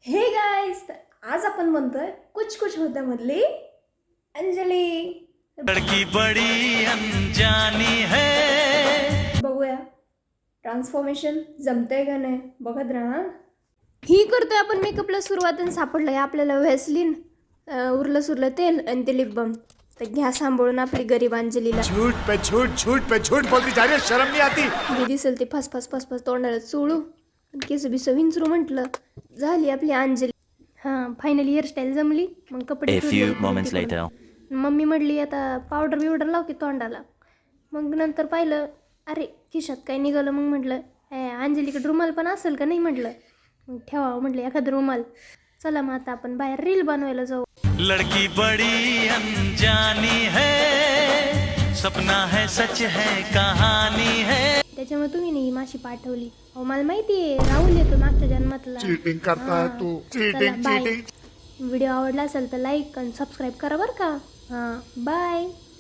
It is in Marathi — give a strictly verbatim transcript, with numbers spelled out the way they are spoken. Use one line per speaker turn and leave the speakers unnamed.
हे गाइस, आज आपण म्हणतोय कुछ कुछ होता मधली अंजली.
लड़की बड़ी अनजानी है.
बघूया ट्रान्सफॉर्मेशन जमतंय का नाही बघत राहा. ही करतोय आपण मेकअपला सुरुवात आणि सापडलंय आपल्याला व्हॅसलीन, उरलं सुरलं तेल आणि ते लिप बाम. तर घ्या सांभाळून आपली गरीब अंजलीला.
झूठ पे झूठ झूठ पे झूठ बोलती जा रही है, शर्म नहीं आती.
मी दिसेल ते फस फस फस फस तोंडाला चोळू आणि केस बिस विंचरू म्हटलं झाली आपली अंजली. हां, फायनली हेअरस्टाईल जमली. मग कपडे
A few moments later.
Mummy म्हटली आता पावडर बिवडर लाव की तोंडाला. मग नंतर पाहिलं अरे खिशात काय निघालं. मग म्हटलं ए अंजलीकडे रुमाल पण असेल का नाही म्हटलं. मग ठेवावं म्हटलं एखादं रुमाल. चला मग आता आपण बाहेर रील बनवायला जाऊ.
लड़की बड़ी अनजानी है, सपना है सच है कहानी है.
त्याच्यामुळे तुम्ही नाही माशी पाठवली. अहो मला माहिती आहे राहुल येतो मागच्या जन्मातला.
चीटिंग करता है तू, चीटिंग
बाय.
चीटिंग.
व्हिडिओ आवडला असेल तर लाईक आणि सबस्क्राईब करा बरं का. हां बाय.